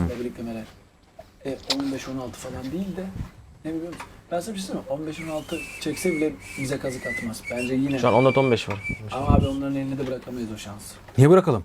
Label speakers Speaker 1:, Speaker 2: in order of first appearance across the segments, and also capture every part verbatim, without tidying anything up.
Speaker 1: babilik kamera. E, on beş on altı falan değil de ne biliyor musun? Ben sana bir şey söyleyeyim mi? on beş on altı çekse bile bize kazık atmaz. Bence yine.
Speaker 2: Şu an on dört on beş var.
Speaker 1: Ama abi onların eline de bırakamayız o şansı.
Speaker 3: Niye bırakalım?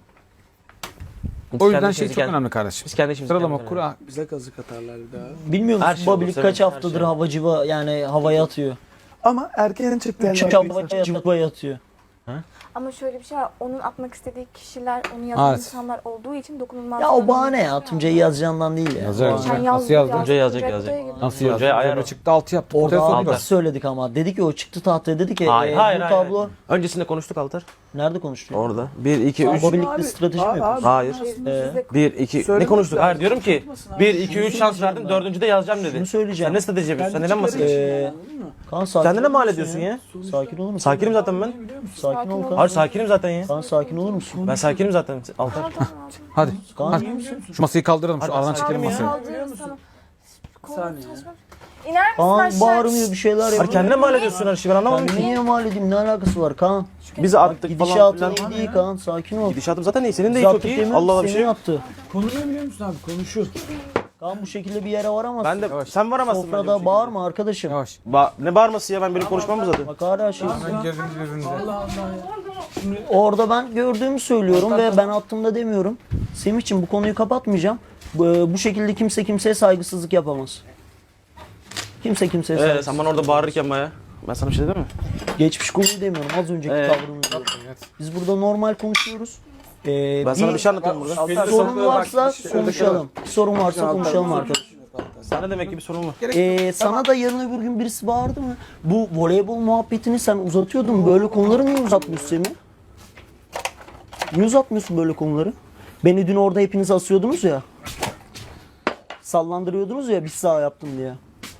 Speaker 2: Biz
Speaker 3: O yüzden
Speaker 2: kendi
Speaker 3: şey
Speaker 2: işimizi
Speaker 3: çok
Speaker 2: kendi-
Speaker 3: önemli kardeşim.
Speaker 2: Biz kendi işimizi
Speaker 3: Sıralama
Speaker 2: kendi-
Speaker 3: kura.
Speaker 1: Bize kazık atarlar bir daha.
Speaker 4: Bilmiyor
Speaker 2: Her
Speaker 4: musun
Speaker 2: şey olur,
Speaker 4: Babilik
Speaker 2: tabii,
Speaker 4: kaç
Speaker 2: her
Speaker 4: haftadır
Speaker 2: şey.
Speaker 4: havacıva yani havaya atıyor.
Speaker 1: Ama erken çıktı yani.
Speaker 4: Çünkü havaya atıyor.
Speaker 5: Ama şöyle bir şey var. Onun atmak istediği kişiler, onu yazan
Speaker 3: Evet.
Speaker 5: insanlar olduğu için dokunulmaz.
Speaker 4: Ya o bahane ya. Tuncay'ı yazacağından değil ya.
Speaker 3: Yazar,
Speaker 4: Bahane.
Speaker 3: yazar.
Speaker 5: Sen
Speaker 3: Nasıl
Speaker 5: yaz,
Speaker 3: yazdın?
Speaker 2: Tuncay yazacak,
Speaker 5: Tuncay
Speaker 2: yazacak.
Speaker 5: gibi.
Speaker 3: Nasıl
Speaker 2: Tuncay
Speaker 3: yazdın?
Speaker 2: ayar
Speaker 3: Böyle
Speaker 2: o.
Speaker 3: çıktı altı yaptı.
Speaker 4: Orada
Speaker 3: Ortaya
Speaker 4: abi
Speaker 3: soktu.
Speaker 4: biz söyledik ama. Dedi ki o çıktı tahtaya dedi ki
Speaker 2: Hayır
Speaker 4: e,
Speaker 2: hayır
Speaker 4: bu
Speaker 2: hayır.
Speaker 4: tablo
Speaker 2: Öncesinde konuştuk Altar.
Speaker 4: nerede konuştuk?
Speaker 2: Orada. bir iki üç.
Speaker 4: Babilik'le strateji mi yapıyorsun?
Speaker 2: Hayır.
Speaker 4: Ee,
Speaker 2: bir iki ne
Speaker 1: Söylemek
Speaker 2: konuştuk?
Speaker 1: lazım.
Speaker 2: Hayır diyorum ki bir iki üç şans verdim. Dördüncüde yazacağım dedi.
Speaker 4: Şunu söyleyeceğim.
Speaker 2: Sen ne strateji yapıyorsun? Sen neden
Speaker 1: Kendi
Speaker 2: bahsediyorsun?
Speaker 4: Ee, Kaan sakin
Speaker 2: Kendine
Speaker 4: olur
Speaker 2: mal
Speaker 4: musun
Speaker 2: ediyorsun ya.
Speaker 4: Sakin olur musun?
Speaker 2: Sakinim zaten ben.
Speaker 4: Sakin ol Kaan.
Speaker 2: Hayır sakinim zaten ya.
Speaker 4: Kaan sakin olur musun?
Speaker 2: Ben sakinim zaten Altar.
Speaker 3: Hadi.
Speaker 4: Kaan
Speaker 3: Hadi.
Speaker 4: iyi misin?
Speaker 3: Şu masayı kaldıralım. Şu
Speaker 2: Hadi,
Speaker 3: aradan
Speaker 2: sakin
Speaker 3: çekelim
Speaker 2: ya.
Speaker 3: masayı.
Speaker 5: Kaldırırız tamam. Kol
Speaker 1: Saniye.
Speaker 5: saçma. İner misin
Speaker 4: Kaan
Speaker 5: aşağı?
Speaker 4: bağırmıyor bir şeyler
Speaker 2: Hayır
Speaker 4: yapıyor.
Speaker 2: kendine mal ediyorsun her şeyi ben anlamadım
Speaker 4: Kendine
Speaker 2: ki.
Speaker 4: niye mal edeyim? Ne alakası var Kaan?
Speaker 2: Bizi attık falan
Speaker 4: Gidişatın
Speaker 2: filan.
Speaker 4: iyi değil Kaan. Sakin ol.
Speaker 2: Gidişatım zaten iyi. Senin de
Speaker 4: Biz
Speaker 2: iyi çok
Speaker 4: attık
Speaker 2: iyi.
Speaker 4: değil mi?
Speaker 2: Allah Allah bir
Speaker 4: Senin
Speaker 2: şey yok.
Speaker 4: attı.
Speaker 1: Konu ne biliyor musun abi? Konuşur.
Speaker 4: Kaan bu şekilde bir yere varamazsın.
Speaker 2: Ben de sen varamazsın bence bu
Speaker 4: Sofrada
Speaker 2: şekilde.
Speaker 4: bağırma arkadaşım.
Speaker 3: Yavaş.
Speaker 2: Ba ne bağırması ya ben benim konuşmam mı zaten?
Speaker 4: Bak hala şey.
Speaker 3: Hemen girdiniz birbirinize.
Speaker 1: Allah Allah ya.
Speaker 4: Orada ben gördüğümü söylüyorum ve ben attığımda demiyorum. Semih'ciğim bu konuyu kapatmayacağım. Bu, bu şekilde kimse kimseye saygısızlık yapamaz. Kimse kimseye
Speaker 2: Ee,
Speaker 4: saygısızlık.
Speaker 2: sen bana orada bağırırken baya. Ben sana bir şey dedim mi?
Speaker 4: Geçmiş konuyu demiyorum. Az önceki
Speaker 2: Ee?
Speaker 4: tavrını diyorum. Biz burada normal konuşuyoruz. Ee,
Speaker 2: Ben sana
Speaker 4: bir
Speaker 2: bir şey anlatıyorum burada.
Speaker 4: bir sorun varsa konuşalım. Bir sorun varsa konuşalım arkadaşlar.
Speaker 2: Sana demek ki bir sorun var.
Speaker 4: Ee, sana da yarın öbür gün birisi bağırdı mı? Bu voleybol muhabbetini sen uzatıyordun. Böyle konuları niye uzatmıyorsun Semih? Niye uzatmıyorsun böyle konuları? Beni dün orada hepiniz asıyordunuz ya. Sallandırıyordunuz ya bir sağ yaptım diye.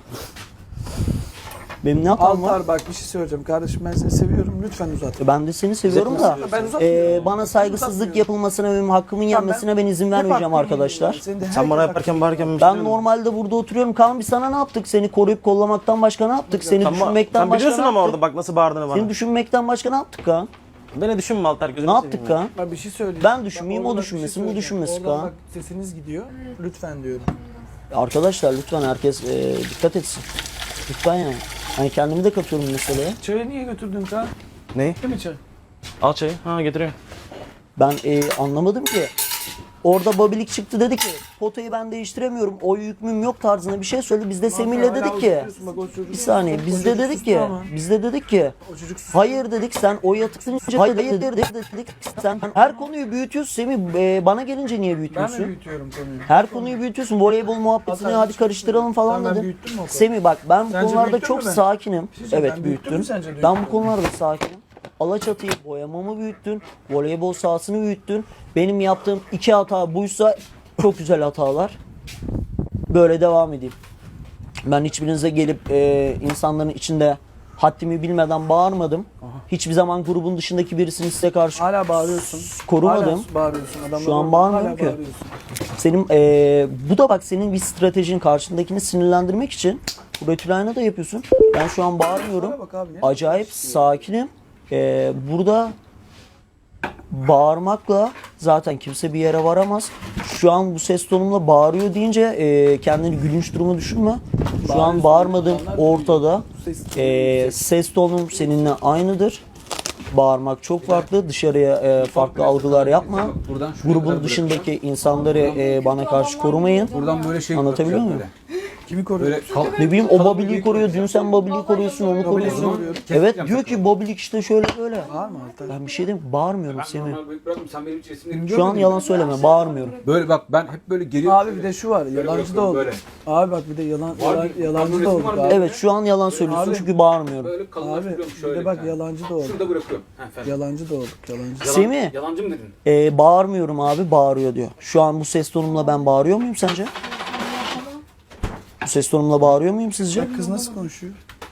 Speaker 4: Benim ne hatam var?
Speaker 1: Altar bak bir şey söyleyeceğim. Kardeşim ben seni seviyorum. Lütfen uzat.
Speaker 4: Ben de seni seviyorum da
Speaker 1: Ben uzatmıyorum.
Speaker 4: e, bana saygısızlık yapılmasına benim hakkımın yenmesine ben izin vermeyeceğim arkadaşlar.
Speaker 2: Sen bana yaparken bağırırken bir şey
Speaker 4: Ben
Speaker 2: demedim.
Speaker 4: normalde burada oturuyorum. Kaan biz sana ne yaptık? Seni koruyup kollamaktan başka ne yaptık? Seni
Speaker 2: Sen,
Speaker 4: düşünmekten
Speaker 2: sen
Speaker 4: başka
Speaker 2: biliyorsun
Speaker 4: ne
Speaker 2: ama
Speaker 4: yaptık?
Speaker 2: orada bak nasıl bağırdığını bana.
Speaker 4: Seni düşünmekten başka ne yaptık Kaan?
Speaker 2: Beni düşünme Altar gözünü
Speaker 4: Ne yaptık Kaan?
Speaker 1: Ben bir şey söyleyeyim.
Speaker 4: Ben düşünmeyeyim,
Speaker 1: Bak,
Speaker 4: o
Speaker 1: orada bak bir şey
Speaker 4: düşünmesin, bu
Speaker 1: söyleyeceğim.
Speaker 4: düşünmesin
Speaker 1: Oradan
Speaker 4: Kaan.
Speaker 1: bak sesiniz gidiyor. Lütfen diyorum.
Speaker 4: Arkadaşlar lütfen herkes e, dikkat etsin. Lütfen yani. Hani kendimi de katıyorum meseleye.
Speaker 1: Çayı niye götürdün Kaan?
Speaker 2: Ne?
Speaker 1: Değil mi çay?
Speaker 2: Al çayı. Ha getiriyorum.
Speaker 4: Ben e, anlamadım ki. Orada Babilik çıktı dedi ki potayı ben değiştiremiyorum. O hükmüm yok tarzında bir şey söyledi. Biz de Semih'le dedik ki bir saniye biz de dedik ki biz de dedik ki hayır dedik sen o yatıklayınca hayır dedik, dedik, dedik sen her konuyu büyütüyorsun Semih e, bana gelince niye
Speaker 1: Ben mi
Speaker 4: büyütüyorsun?
Speaker 1: büyütüyorum konuyu?
Speaker 4: Her konuyu büyütüyorsun. Voleybol muhabbetini
Speaker 1: Hatta
Speaker 4: hadi karıştıralım falan
Speaker 1: Sen ben
Speaker 4: dedin.
Speaker 1: büyüttüm mü o konuyu?
Speaker 4: Semih bak ben bu
Speaker 1: Sence
Speaker 4: konularda
Speaker 1: büyüttün
Speaker 4: çok
Speaker 1: mü ben?
Speaker 4: sakinim.
Speaker 1: şey söyleyeyim,
Speaker 4: Evet
Speaker 1: ben büyüttüm
Speaker 4: büyüttün.
Speaker 1: mü sence
Speaker 4: Ben bu
Speaker 1: büyüttüm?
Speaker 4: konularda sakinim. Alaçatı'yı boyamamı büyüttün. Voleybol sahasını büyüttün. Benim yaptığım iki hata buysa çok güzel hatalar. Böyle devam edeyim. Ben hiçbirinize gelip e, insanların içinde haddimi bilmeden bağırmadım. Hiçbir zaman grubun dışındaki birisini size karşı
Speaker 1: Hala bağırıyorsun.
Speaker 4: korumadım.
Speaker 1: Hala bağırıyorsun. Adamlar
Speaker 4: Şu an
Speaker 1: orada.
Speaker 4: bağırmıyorum
Speaker 1: Hala
Speaker 4: ki.
Speaker 1: bağırıyorsun.
Speaker 4: Senin eee, bu da bak senin bir stratejin karşındakini sinirlendirmek için bu Retülayna da yapıyorsun. Ben şu an bağırmıyorum.
Speaker 1: Bana bak abi, ne
Speaker 4: Acayip sakinim. Eee, burada bağırmakla zaten kimse bir yere varamaz. Şu an bu ses tonumla bağırıyor deyince eee, kendini gülünç duruma düşünme. Şu an bağırmadığım ortada. Eee, ses tonum seninle aynıdır. Bağırmak çok farklı. Dışarıya e, farklı algılar yapma.
Speaker 3: Buradan şuraya kadar
Speaker 4: Grubun
Speaker 3: bırak.
Speaker 4: dışındaki insanları e, bana karşı korumayın.
Speaker 3: Buradan böyle şey
Speaker 4: Anlatabiliyor
Speaker 3: bırakacak
Speaker 4: muyum?
Speaker 3: böyle.
Speaker 1: Kimi koruyor?
Speaker 3: Böyle kal-
Speaker 4: Ne bileyim o Babilik'i koruyor. Dün sen Babilik'i koruyorsun, onu koruyorsun.
Speaker 1: koruyorum.
Speaker 4: Evet diyor ki Babilik işte şöyle böyle.
Speaker 1: Bağırma Altar.
Speaker 4: Ben bir şey diyeyim bağırmıyorum Semih.
Speaker 3: Bırakın sen benim hiç resimlerimi
Speaker 4: Şu an yalan söyleme bağırmıyorum.
Speaker 3: Böyle bak ben hep böyle geliyorum.
Speaker 1: Abi bir de şu var. Yalancı da oldu.
Speaker 3: Böyle.
Speaker 1: Abi bak bir de yalan,
Speaker 3: Var
Speaker 1: yalan
Speaker 3: bir-
Speaker 1: yalancı
Speaker 3: resim
Speaker 1: da olduk
Speaker 3: var mı?
Speaker 1: abi.
Speaker 4: Evet şu an yalan söylüyorsun
Speaker 1: Abi-
Speaker 4: çünkü bağırmıyorum.
Speaker 3: Böyle
Speaker 1: Abi
Speaker 3: kalınlaştırıyorum
Speaker 1: bir
Speaker 3: şöyle.
Speaker 1: de bak
Speaker 3: bir tane.
Speaker 1: yalancı da olduk.
Speaker 3: Şurada bırakıyorum. Ha, efendim.
Speaker 1: Yalancı da olduk. Yalancı.
Speaker 3: Yalan-
Speaker 4: Semih
Speaker 3: Yalancı mı dedin?
Speaker 4: e, bağırmıyorum abi bağırıyor diyor. Şu an bu ses tonumla ben bağırıyor muyum sence? Bu ses tonumla bağırıyor muyum sizce?
Speaker 1: Bak kız nasıl konuşuyor?
Speaker 4: Ha?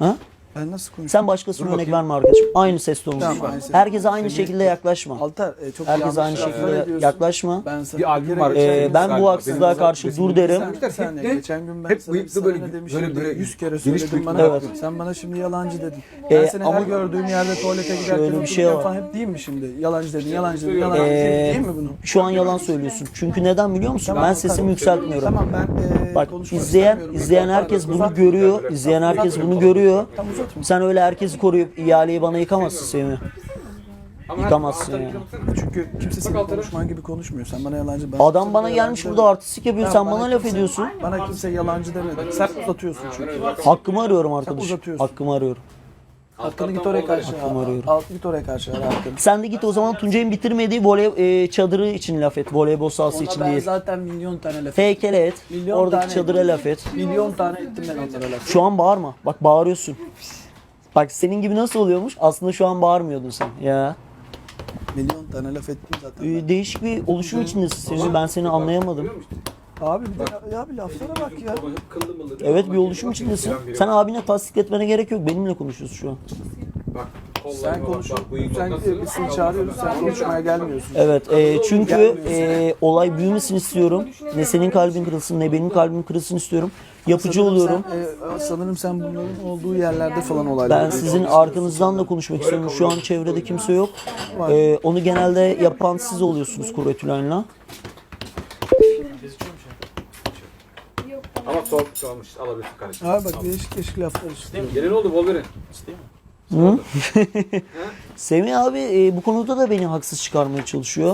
Speaker 6: Ben nasıl konuşayım?
Speaker 4: Sen başkasına örnek verme arkadaşım. Aynı ses tonu.
Speaker 6: Tamam, aynı ses.
Speaker 4: Herkese aynı şekilde yaklaşma.
Speaker 6: Altar e, çok
Speaker 4: Herkese
Speaker 6: yanlış
Speaker 4: aynı
Speaker 6: laflar
Speaker 4: şekilde
Speaker 6: ediyorsun.
Speaker 4: yaklaşma.
Speaker 6: Ben sana
Speaker 3: Bir albüm
Speaker 6: kere
Speaker 3: var.
Speaker 6: geçen
Speaker 4: Ee,
Speaker 6: gün
Speaker 4: ben
Speaker 6: sana-
Speaker 4: bu haksızlığa
Speaker 3: Benim
Speaker 4: karşı
Speaker 3: resim-
Speaker 4: dur derim.
Speaker 6: Sen- bir saniye,
Speaker 3: Hep de-
Speaker 6: geçen gün ben
Speaker 3: hep
Speaker 6: sana,
Speaker 3: bıyıklı
Speaker 6: sana
Speaker 3: böyle-
Speaker 6: ne demişim
Speaker 3: böyle-
Speaker 6: de
Speaker 3: böyle
Speaker 6: yüz kere
Speaker 3: geniş
Speaker 6: söyledim
Speaker 3: bıyıklı.
Speaker 6: bana.
Speaker 4: Evet.
Speaker 6: Sen bana şimdi yalancı dedin.
Speaker 4: Ee,
Speaker 6: Ben seni
Speaker 4: ama-
Speaker 6: her gördüğüm yerde tuvalete giderken
Speaker 4: Şöyle bir şey
Speaker 6: otururken
Speaker 4: var.
Speaker 6: falan hep diyeyim mi şimdi? Yalancı dedin, yalancı dedin, yalancı dedin.
Speaker 4: Ee,
Speaker 6: Değil mi bunu?
Speaker 4: Şu an yalan söylüyorsun. Çünkü neden biliyor musun?
Speaker 6: Tamam,
Speaker 4: Ben
Speaker 6: tamam.
Speaker 4: sesimi yükseltmiyorum.
Speaker 6: Tamam ben e,
Speaker 4: Bak
Speaker 6: konuşmak
Speaker 4: izleyen
Speaker 6: istemiyorum.
Speaker 4: izleyen herkes bunu görüyor. İzleyen herkes bunu görüyor. Sen öyle herkesi koruyup ihaleyi bana yıkamazsın Semih. Yıkamazsın yani.
Speaker 6: Çünkü kimse senin konuşman gibi konuşmuyor. Sen bana yalancı... Ben
Speaker 4: Adam
Speaker 6: kimse
Speaker 4: bana
Speaker 6: yalancı
Speaker 4: gelmiş
Speaker 6: demedim.
Speaker 4: burada artistik yapıyor. Sen
Speaker 6: Tamam,
Speaker 4: bana laf
Speaker 6: kimse-
Speaker 4: ediyorsun.
Speaker 6: Bana kimse yalancı demedi. Sen uzatıyorsun çünkü.
Speaker 4: Hakkımı arıyorum arkadaşım.
Speaker 6: uzatıyorsun.
Speaker 4: Hakkımı arıyorum.
Speaker 6: Hakkını git oraya karşı.
Speaker 4: Hakkımı arıyorum.
Speaker 6: Al git oraya karşı. Al hakkını.
Speaker 4: Sen de git o zaman Tuncay'ın bitirmediği voley e, çadırı için laf et. Voleybol sahası
Speaker 1: Ona
Speaker 4: için
Speaker 1: ben
Speaker 4: değil.
Speaker 1: zaten milyon tane laf
Speaker 4: Heykele et.
Speaker 1: Milyon
Speaker 4: Oradaki
Speaker 1: tane-
Speaker 4: çadıra laf et.
Speaker 1: Milyon tane ettim ben onlara laf.
Speaker 4: Şu an bağırma. Bak bağırıyorsun. Bak senin gibi nasıl oluyormuş? Aslında şu an bağırmıyordun sen. Ya.
Speaker 6: Milyon tane laf ettim zaten.
Speaker 4: Ee, değişik bir oluşum içindesin Semih. Ben seni anlayamadım.
Speaker 6: Abi bir de ya bir laflara bak ya.
Speaker 3: Kıllı mıllı.
Speaker 4: Evet bir oluşum içindesin. Sen abine tasdik etmene gerek yok. Benimle konuşuyorsun şu an.
Speaker 3: Bak, kollarıma
Speaker 6: Sen
Speaker 3: bak,
Speaker 6: konuş.
Speaker 3: bak, bıyık
Speaker 6: Sen
Speaker 3: nasıl?
Speaker 6: biz seni çağırıyoruz. Sen konuşmaya gelmiyorsun.
Speaker 4: Evet e, çünkü e, olay büyümesin istiyorum. Ne senin kalbin kırılsın ne benim kalbim kırılsın istiyorum. Yapıcı
Speaker 6: Sanırım
Speaker 4: oluyorum.
Speaker 6: Sen, e, sanırım sen bunların olduğu yerlerde falan olaylar.
Speaker 4: Ben sizin arkanızdan da konuşmak istiyorum. Şu an çevrede kimse yok. E, onu genelde yapan siz oluyorsunuz Kuretülen'le.
Speaker 3: Ama soğuk kalmış. Alabilirsin kardeşim.
Speaker 6: Abi bak değişik değişik laflar işte.
Speaker 3: Gene ne oldu Wolverine?
Speaker 4: Hı? Semih abi e, bu konuda da beni haksız çıkarmaya çalışıyor.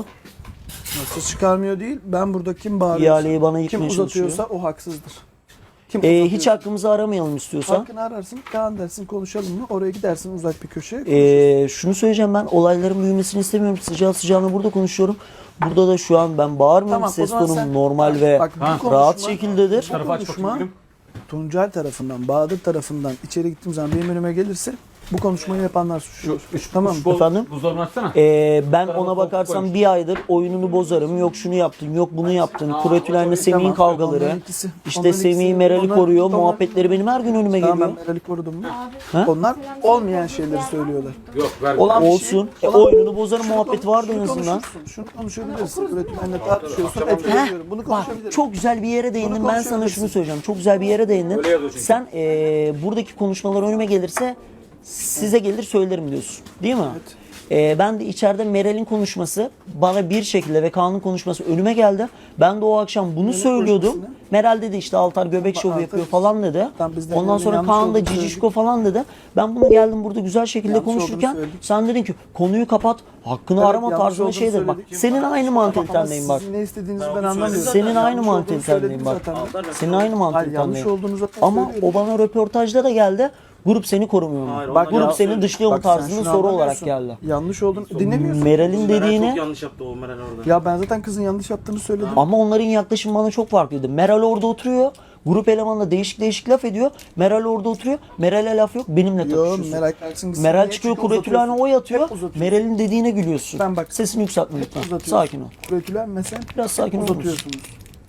Speaker 6: Nasıl çıkarmıyor değil. Ben burada kim bağırıyorsa,
Speaker 4: İhaleyi bana
Speaker 6: kim
Speaker 4: yıkmaya çalışıyor.
Speaker 6: uzatıyorsa o haksızdır. Kim
Speaker 4: E,
Speaker 6: uzatıyorsa-
Speaker 4: hiç hakkımızı aramayalım istiyorsan.
Speaker 6: Hakkını ararsın, Kaan dersin, konuşalım mı? Oraya gidersin uzak bir köşeye.
Speaker 4: E, şunu söyleyeceğim, ben olayların büyümesini istemiyorum. Sıcağı sıcağına burada konuşuyorum. Burada da şu an ben bağırmıyorum.
Speaker 6: Tamam, o
Speaker 4: Ses
Speaker 6: zaman
Speaker 4: tonum
Speaker 6: sen-
Speaker 4: normal ve
Speaker 6: Bak, bu konuşma-
Speaker 4: rahat şekildedir.
Speaker 6: Bu konuşma Tuncel tarafından, Bahadır tarafından içeri gittiğim zaman benim önüme gelirse bu konuşmayı yapanlar suçlu. Tamam mı?
Speaker 4: Efendim?
Speaker 3: Buzdolabını açsana.
Speaker 4: Ee, ben ona bakarsam bir aydır oyununu bozarım. Yok şunu yaptın, yok bunu yaptın. Kuretülen'le Semih'in
Speaker 6: Tamam,
Speaker 4: kavgaları.
Speaker 6: onların ikisi-
Speaker 4: İşte
Speaker 6: onların
Speaker 4: Semih'i
Speaker 6: ikisi-
Speaker 4: Meral'i
Speaker 6: onlar-
Speaker 4: koruyor.
Speaker 6: onlar-
Speaker 4: Muhabbetleri benim her gün önüme
Speaker 6: Tamam
Speaker 4: geliyor.
Speaker 6: ben Meral'i korudum mu?
Speaker 4: Ha?
Speaker 6: Onlar olmayan şeyleri söylüyorlar.
Speaker 3: Yok ver.
Speaker 6: Olan bir
Speaker 4: Olsun.
Speaker 6: şey-
Speaker 4: E, oyununu bozarım muhabbet vardı en
Speaker 6: Şunu
Speaker 4: azından.
Speaker 6: konuşursun, Şunu konuşabilirsin. Üretimlerle tartışıyorsun. Etkileniyorum. Bunu
Speaker 4: Bak
Speaker 6: konuşabiliriz.
Speaker 4: çok güzel bir yere değindin. Ben sana
Speaker 6: konuşabilirsin.
Speaker 4: şunu söyleyeceğim. Çok güzel bir yere değindin.
Speaker 3: Öyle yazıyor çünkü.
Speaker 4: Sen e, buradaki konuşmalar önüme gelirse size gelir söylerim diyorsun. Değil mi? E, ben de içeride Meral'in konuşması bana bir şekilde ve Kaan'ın konuşması önüme geldi. Ben de o akşam bunu söylüyordum.
Speaker 6: konuşması
Speaker 4: Meral dedi işte Altar göbek şovu
Speaker 6: Altar-
Speaker 4: yapıyor falan dedi.
Speaker 6: Tamam, biz de
Speaker 4: Ondan
Speaker 6: Meral'in
Speaker 4: sonra
Speaker 6: yanlış
Speaker 4: Kaan da
Speaker 6: olduğunu
Speaker 4: cicişko falan dedi. Ben bunu geldim burada güzel şekilde
Speaker 6: Yanlış
Speaker 4: konuşurken
Speaker 6: olduğunu söyledik.
Speaker 4: sen dedin ki konuyu kapat, hakkını
Speaker 6: Evet,
Speaker 4: arama
Speaker 6: yanlış
Speaker 4: tarzında
Speaker 6: olduğunu
Speaker 4: şeydir. Bak
Speaker 6: söyledik.
Speaker 4: senin aynı
Speaker 6: Ama
Speaker 4: mantalitendeyim bak.
Speaker 6: sizin ne istediğinizi ben anlamıyorum.
Speaker 4: Senin aynı
Speaker 6: Yanlış olduğunu
Speaker 4: mantalitendeyim
Speaker 6: söyledim
Speaker 4: bak.
Speaker 6: zaten.
Speaker 4: Senin aynı
Speaker 6: Hayır yanlış
Speaker 4: mantalitendeyim.
Speaker 6: olduğunu zaten
Speaker 4: Ama
Speaker 6: söylüyorum.
Speaker 4: o bana röportajda da geldi. Grup seni korumuyor mu? Bak grup seni dışlıyor mu
Speaker 6: Bak sen
Speaker 4: tarzında
Speaker 6: şunu
Speaker 4: soru olarak
Speaker 6: anlamıyorsun.
Speaker 4: geldi.
Speaker 6: Yanlış olduğunu dinlemiyorsun.
Speaker 4: Meral'in dediğini
Speaker 2: yanlış yaptı o Meral orada.
Speaker 6: Ya ben zaten kızın yanlış yaptığını söyledim.
Speaker 4: ama onların yaklaşımı bana çok farklıydı. Meral orada oturuyor. Grup elemanı da değişik değişik laf ediyor. Meral orada oturuyor. Meral'e laf yok. Benimle
Speaker 6: Yo
Speaker 4: takışıyorsun.
Speaker 6: Meral kalksın gitsin.
Speaker 4: Meral
Speaker 6: Niye?
Speaker 4: çıkıyor
Speaker 6: Çünkü
Speaker 4: Kuretülen'e
Speaker 6: uzatıyorsun.
Speaker 4: oy atıyor.
Speaker 6: Hep uzatıyorsun.
Speaker 4: Meral'in dediğine gülüyorsun.
Speaker 6: Ben bak-
Speaker 4: Sesini yükseltme lütfen.
Speaker 6: uzatıyorsun.
Speaker 4: Sakin ol.
Speaker 6: Kuretülen mesela
Speaker 4: Biraz sakin olur musun?
Speaker 6: uzatıyorsunuz.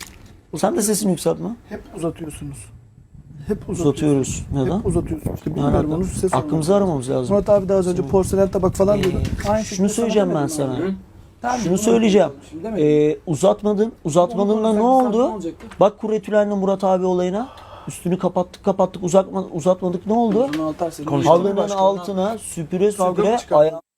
Speaker 4: Sen de sesini yükseltme.
Speaker 6: Hep uzatıyorsunuz. Hep uzatıyorsunuz.
Speaker 4: Uzatıyoruz. Neden?
Speaker 6: Hep uzatıyorsunuz. İşte
Speaker 4: Ne
Speaker 6: bilmiyorum
Speaker 4: alaka?
Speaker 6: onu size
Speaker 4: Hakkımızı
Speaker 6: sormak
Speaker 4: aramamız lazım.
Speaker 6: Murat abi daha az önce porselen tabak falan diyordu. Aynı şekilde
Speaker 4: Şunu
Speaker 6: sana
Speaker 4: söyleyeceğim ben
Speaker 6: demedim
Speaker 4: sana.
Speaker 6: abi. Tamam,
Speaker 4: Şunu
Speaker 6: bunu
Speaker 4: söyleyeceğim.
Speaker 6: Şimdi demedim.
Speaker 4: Ee, uzatmadın. Uzatmadığında ne
Speaker 1: konuşsak ne
Speaker 4: oldu?
Speaker 1: olacaktı?
Speaker 4: Bak Kuretülen'le Murat abi olayına. Üstünü kapattık kapattık uzatma, uzatmadık ne oldu?
Speaker 6: Bunu Altar senin
Speaker 4: Halının
Speaker 6: başkanına-
Speaker 4: altına süpüre
Speaker 6: Kavga mı
Speaker 4: süpüre
Speaker 6: çıkardın?
Speaker 4: aya-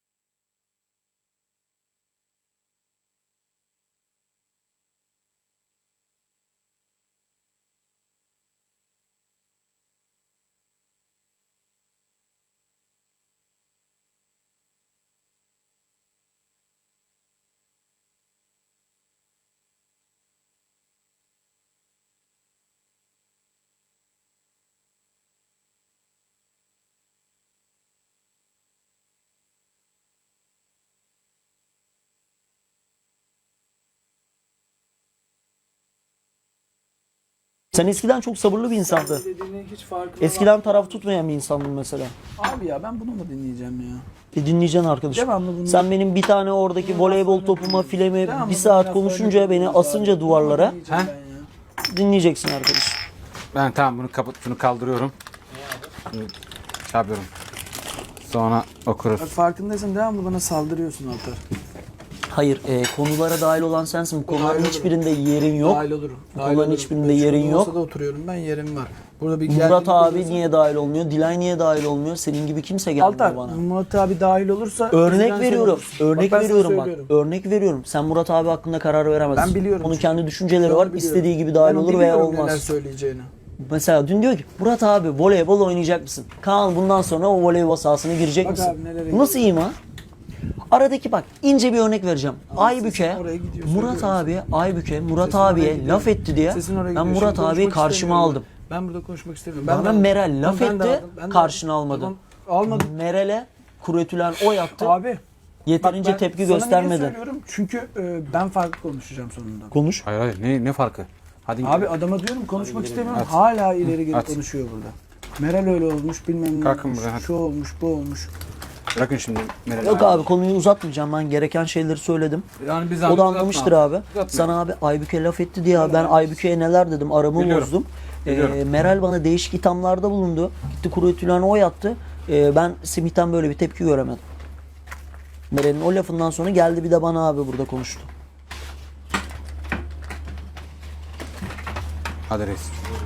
Speaker 4: Sen eskiden çok sabırlı bir insandın.
Speaker 1: Dediğini hiç farkında
Speaker 4: Eskiden taraf tutmayan bir insandın mesela.
Speaker 6: Abi ya ben bunu mu dinleyeceğim ya?
Speaker 4: E dinleyeceksin arkadaşım.
Speaker 6: Devamlı bunu-
Speaker 4: Sen benim bir tane oradaki voleybol topuma filemi
Speaker 6: Devamlı
Speaker 4: bir
Speaker 6: bunu
Speaker 4: saat
Speaker 6: laflarını
Speaker 4: konuşunca beni
Speaker 6: dinliyoruz
Speaker 4: asınca
Speaker 6: abi.
Speaker 4: duvarlara
Speaker 6: Dinleyeceğim
Speaker 3: Ha?
Speaker 6: ben ya.
Speaker 4: dinleyeceksin arkadaşım.
Speaker 3: Ben tamam bunu kapat, şunu kaldırıyorum.
Speaker 7: şey yapıyorum. Sonra okuruz.
Speaker 6: Bak farkındaysan devamlı bana saldırıyorsun Altar.
Speaker 4: Hayır, e, konulara dahil olan sensin. Bu konuların
Speaker 6: Dahil olurum.
Speaker 4: hiçbirinde yerin yok.
Speaker 6: Dahil olurum.
Speaker 4: Bu
Speaker 6: Dahil
Speaker 4: konuların
Speaker 6: olurum.
Speaker 4: hiçbirinde
Speaker 6: Ben
Speaker 4: yerin
Speaker 6: şu
Speaker 4: yok.
Speaker 6: masada oturuyorum ben, yerim var. Burada bir
Speaker 4: Murat
Speaker 6: gerginlik
Speaker 4: abi
Speaker 6: olursa-
Speaker 4: niye dahil olmuyor? Dilay niye dahil olmuyor? Senin gibi kimse gelmiyor
Speaker 6: Altar,
Speaker 4: bana.
Speaker 6: Murat abi dahil olursa...
Speaker 4: Örnek
Speaker 6: bizden sen
Speaker 4: veriyorum.
Speaker 6: olursun.
Speaker 4: Örnek
Speaker 6: Bak ben sana
Speaker 4: veriyorum bak.
Speaker 6: söylüyorum.
Speaker 4: Örnek veriyorum. Sen Murat abi hakkında karar veremezsin.
Speaker 6: Ben biliyorum
Speaker 4: Onun
Speaker 6: çünkü.
Speaker 4: kendi düşünceleri
Speaker 6: Ben
Speaker 4: var.
Speaker 6: biliyorum.
Speaker 4: İstediği gibi dahil
Speaker 6: Ben
Speaker 4: olur veya
Speaker 6: biliyorum neler
Speaker 4: olmaz.
Speaker 6: söyleyeceğini.
Speaker 4: Mesela dün diyor ki Murat abi voleybol oynayacak mısın? Kaan bundan sonra o voleybol sahasına girecek
Speaker 6: Bak
Speaker 4: misin?
Speaker 6: abi nelere
Speaker 4: Bu nasıl iyi ha? Aradaki bak ince bir örnek vereceğim. Aybüke,
Speaker 6: sesin oraya gidiyor,
Speaker 4: Murat
Speaker 6: söylüyorum
Speaker 4: abi, Aybüke, Murat
Speaker 6: Sesin oraya
Speaker 4: abiye
Speaker 6: gidiyor.
Speaker 4: laf etti diye
Speaker 6: Sesin oraya
Speaker 4: ben
Speaker 6: gidiyor.
Speaker 4: Murat
Speaker 6: Şimdi
Speaker 4: abiyi
Speaker 6: konuşmak
Speaker 4: karşıma
Speaker 6: istemiyorum.
Speaker 4: aldım.
Speaker 6: Ben burada konuşmak istemiyorum.
Speaker 4: Bana
Speaker 6: de-
Speaker 4: Meral laf
Speaker 6: Ben de
Speaker 4: etti,
Speaker 6: aldım, ben de
Speaker 4: karşına
Speaker 6: aldım.
Speaker 4: almadın.
Speaker 6: Tamam, almadım.
Speaker 4: Meral'e kuretülen o yaptı.
Speaker 6: Abi.
Speaker 4: Yeterince
Speaker 6: bak ben
Speaker 4: tepki
Speaker 6: sana
Speaker 4: göstermedin.
Speaker 6: niye söylüyorum? Çünkü e, ben farklı konuşacağım sonunda.
Speaker 4: Konuş.
Speaker 7: Hayır hayır ne, ne farkı? Hadi
Speaker 6: Abi adama diyorum konuşmak istemiyorum.
Speaker 7: At.
Speaker 6: Hala ileri geri
Speaker 7: At.
Speaker 6: konuşuyor burada. Meral öyle olmuş, bilmem ne
Speaker 7: Kalkın
Speaker 6: olmuş,
Speaker 7: buraya, hadi.
Speaker 6: şu olmuş, bu olmuş.
Speaker 7: bırakın şimdi Meral
Speaker 4: Yok abi konuyu uzatmayacağım, ben gereken şeyleri söyledim.
Speaker 3: Yani biz
Speaker 4: O da anlamıştır abi.
Speaker 3: Uzatma.
Speaker 4: Sana abi Aybüke laf etti diye abi ben Aybüke'ye neler dedim, aramı
Speaker 7: Biliyorum.
Speaker 4: bozdum.
Speaker 7: Biliyorum.
Speaker 4: Ee, Meral bana değişik ithamlarda bulundu. Gitti kuru ütülen o yattı. Ee, ben Semih'ten böyle bir tepki göremedim. Meral'in o lafından sonra geldi bir de bana abi burada konuştu.
Speaker 7: Hadi reis.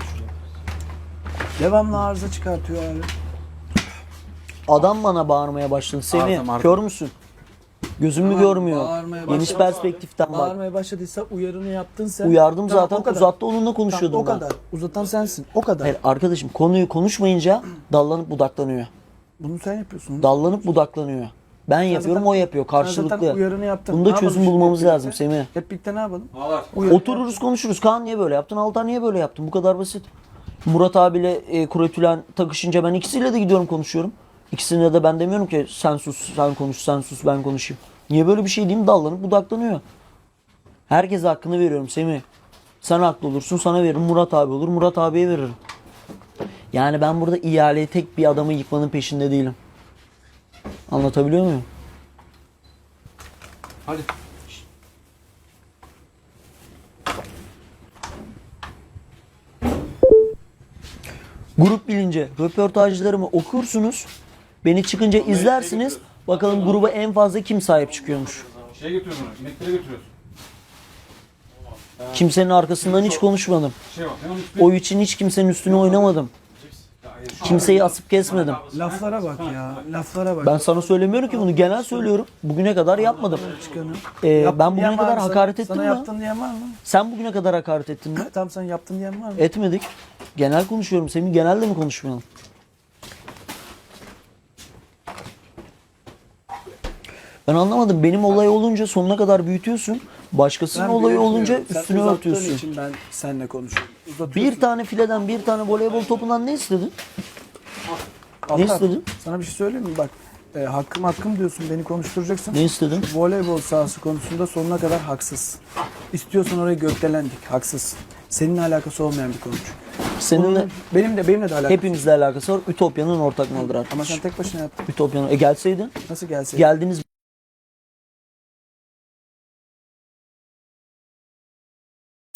Speaker 6: Devamlı arıza çıkartıyor abi.
Speaker 4: Adam bana bağırmaya başladı. Semih
Speaker 7: Ardım, ardım.
Speaker 4: kör müsün? Gözüm mü
Speaker 6: Tamam,
Speaker 4: görmüyor?
Speaker 6: bağırmaya
Speaker 4: Geniş
Speaker 6: başladı.
Speaker 4: perspektiften bak.
Speaker 6: Bağırmaya başladıysa uyarını yaptın sen.
Speaker 4: Uyardım
Speaker 6: Tamam,
Speaker 4: zaten
Speaker 6: o kadar.
Speaker 4: uzattı onunla
Speaker 6: Tamam,
Speaker 4: konuşuyordum
Speaker 6: o
Speaker 4: ben.
Speaker 6: kadar. Uzatan sensin. O kadar.
Speaker 4: Hayır arkadaşım konuyu konuşmayınca dallanıp budaklanıyor.
Speaker 6: Bunu sen yapıyorsun.
Speaker 4: Dallanıp budaklanıyor. Ben yapıyorum
Speaker 6: zaten-
Speaker 4: o yapıyor
Speaker 6: Sen zaten
Speaker 4: karşılıklı.
Speaker 6: uyarını yaptın.
Speaker 4: Bunda
Speaker 6: Ne yapalım
Speaker 4: çözüm
Speaker 6: şimdi
Speaker 4: bulmamız
Speaker 6: hep
Speaker 4: lazım
Speaker 6: birlikte?
Speaker 4: Semih.
Speaker 6: Hep birlikte ne yapalım?
Speaker 3: Ağlar.
Speaker 6: Uyarı
Speaker 4: Otururuz konuşuruz. Kaan niye böyle yaptın? Altan niye böyle yaptın? Bu kadar basit. Murat abiyle e, Kuretülen takışınca ben ikisiyle de gidiyorum konuşuyorum. İkisine de ben demiyorum ki sen sus, sen konuş, sen sus, ben konuşayım. Niye böyle bir şey diyeyim? Dallanıp budaklanıyor. Herkese hakkını veriyorum Semih. Sen haklı olursun, sana veririm. Murat abi olur, Murat abiye veririm. Yani ben burada ihaleyi tek bir adamı yıkmanın peşinde değilim. Anlatabiliyor muyum?
Speaker 3: Hadi.
Speaker 4: Grup bilince röportajlarımı okursunuz. Beni çıkınca izlersiniz. Bakalım gruba en fazla kim sahip çıkıyormuş.
Speaker 3: Şey götürüyoruz onu. İnekleri götürüyoruz.
Speaker 4: Kimsenin arkasından hiç konuşmadım.
Speaker 3: Şey var. Hemen üstüne.
Speaker 4: O için hiç kimsenin üstüne oynamadım. Kimseyi asıp kesmedim.
Speaker 6: Laflara bak ya. Laflara bak.
Speaker 4: Ben sana söylemiyorum ki bunu. Genel söylüyorum. Bugüne kadar yapmadım.
Speaker 6: Çıkanı.
Speaker 4: Ee,
Speaker 6: Yaptın
Speaker 4: ben bugüne
Speaker 6: diyen var
Speaker 4: kadar
Speaker 6: mı sana?
Speaker 4: hakaret ettim
Speaker 6: Sana
Speaker 4: mi?
Speaker 6: yaptın diyen var mı?
Speaker 4: Sen bugüne kadar hakaret ettin mi?
Speaker 6: Tamam sen yaptın diyen var mı?
Speaker 4: Etmedik. Genel konuşuyorum. Senin genelde mi konuşmayalım? Ben anlamadım. Benim olay olunca sonuna kadar büyütüyorsun. Başkasının
Speaker 6: Ben
Speaker 4: olayı
Speaker 6: büyütmüyorum.
Speaker 4: olunca
Speaker 6: Sen
Speaker 4: üstüne
Speaker 6: uzattığın
Speaker 4: örtüyorsun.
Speaker 6: için ben seninle konuşuyorum. Uzatıyorsun.
Speaker 4: Bir tane fileden bir tane voleybol topundan ne istedin?
Speaker 6: Altar,
Speaker 4: Ne istedin?
Speaker 6: Sana bir şey söyleyeyim mi? Bak e, hakkım hakkım diyorsun, beni konuşturacaksın.
Speaker 4: Ne istedin?
Speaker 6: Voleybol sahası konusunda sonuna kadar haksız. İstiyorsan orayı gökdelendik, haksız. Seninle alakası olmayan bir konu.
Speaker 4: Seninle
Speaker 6: Bunun- benim de benimle de alakası.
Speaker 4: hepimizle alakası var. Ütopya'nın ortak malıdır
Speaker 6: Ama
Speaker 4: arkadaş.
Speaker 6: sen tek başına yaptın.
Speaker 4: Ütopya'nın. E gelseydin.
Speaker 6: Nasıl gelseydin?
Speaker 4: Geldiniz